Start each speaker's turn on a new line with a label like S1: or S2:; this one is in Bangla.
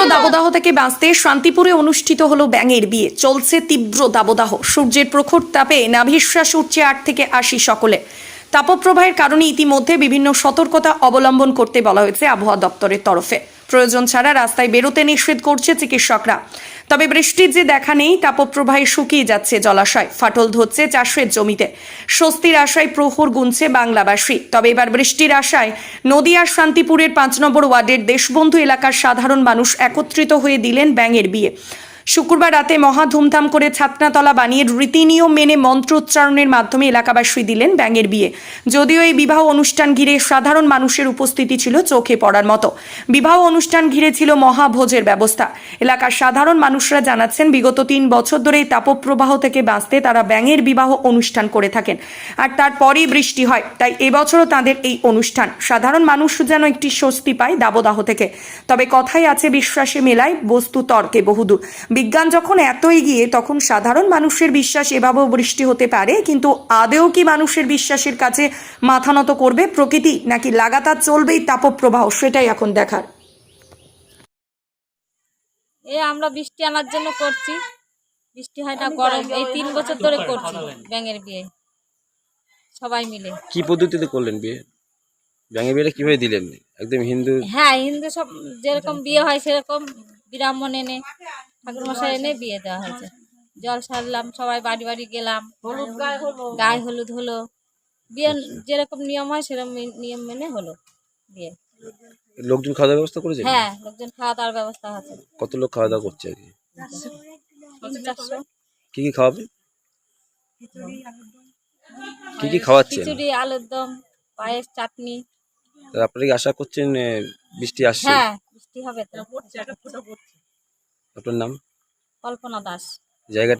S1: দাবদাহ থেকে বাঁচতে শান্তিপুরে অনুষ্ঠিত হলো ব্যাঙের বিয়ে। চলছে তীব্র দাবদাহ, সূর্যের প্রখর তাপে নাভিশ্বাস উঠছে 8 থেকে 80 সকলে। তাপপ্রবাহের কারণে ইতিমধ্যে বিভিন্ন সতর্কতা অবলম্বন করতে বলা হয়েছে আবহাওয়া দপ্তরের তরফে। প্রয়োজন ছাড়া রাস্তায় বেরোতে নিষেধ করছে চিকিৎসকরা। তবে বৃষ্টির যে দেখা নেই, তাপপ্রবাহে শুকিয়ে যাচ্ছে জলাশয়, ফাটল ধরছে চাষের জমিতে। স্বস্তির আশায় প্রহর গুনছে বাংলাবাসী। তবে এবার বৃষ্টির আশায় নদিয়ার শান্তিপুরের 5 নম্বর ওয়ার্ডের দেশবন্ধু এলাকার সাধারণ মানুষ একত্রিত হয়ে দিলেন ব্যাঙের বিয়ে। শুক্রবার রাতে মহা ধুমধাম করে ছাতনাতলা বানিয়ে রীতিনিয়ম মেনে মন্ত্রোচ্চারণের মাধ্যমে এলাকাবাসী দিলেন ব্যাঙের বিয়ে। যদিও এই বিবাহ অনুষ্ঠান ঘিরে সাধারণ মানুষের উপস্থিতি ছিল চোখে পড়ার মতো। বিবাহ অনুষ্ঠান ঘিরে ছিল মহাভোজের ব্যবস্থা। এলাকার সাধারণ মানুষরা জানাচ্ছেন, বিগত 3 বছর ধরে এই তাপপ্রবাহ থেকে বাঁচতে তারা ব্যাঙের বিবাহ অনুষ্ঠান করে থাকেন, আর তারপরেই বৃষ্টি হয়। তাই এবছরও তাদের এই অনুষ্ঠান। সাধারণ মানুষ যেন একটি স্বস্তি পায় দাবদাহ থেকে। তবে কথাই আছে, বিশ্বাসে মেলায় বস্তু তর্কে বহুদূর। বিজ্ঞান যখন এত এগিয়ে, তখন সাধারণ মানুষের বিশ্বাস এভাবেও বৃষ্টি হতে পারে। কিন্তু আদেও কি মানুষের বিশ্বাসের কাছে মাথা নত করবে প্রকৃতি, নাকি লাগাতার চলবেই তাপপ্রবাহ, সেটাই এখন দেখার।
S2: আমরা বৃষ্টি আনার জন্য করছি, বৃষ্টি হয় না, গরম। এই 3 বছর ধরে করছি ব্যাঙের বিয়ে, সবাই মিলে।
S3: কি পদ্ধতিতে করলেন বিয়ে? ব্যাঙের বিয়েটা কিভাবে দিলেন? একদম হিন্দু?
S2: হ্যাঁ, হিন্দু সব যেরকম বিয়ে হয় সেরকম ব্রাহ্মণ এনে, ঠাকুরমশাই এনে বিয়ে দেওয়া হয়েছে। জল সারলাম, সবাই বাড়ি বাড়ি গেলাম, গায়ে হলুদ হলো। বিয়ে যেরকম নিয়ম হয় সেরকম নিয়ম মেনে হলো বিয়ে।
S3: লোকজন খাওয়া দাওয়ার ব্যবস্থা করেছে?
S2: হ্যাঁ, লোকজন খাওয়া দাওয়ার ব্যবস্থা আছে।
S3: কত লোক খাওয়া দাওয়া করছে আর কি?
S2: 400।
S3: কি কি খাওয়াবে? কি কি খাওয়াচ্ছেন?
S2: খিচুড়ি, আলুর দম, পায়েস, চাটনি।
S3: আপনারা কি আশা করছেন বৃষ্টি আসছে?
S2: হ্যাঁ, বৃষ্টি হবে তো।
S3: আপনার নাম?
S2: কল্পনা দাস।
S3: জায়গাটা?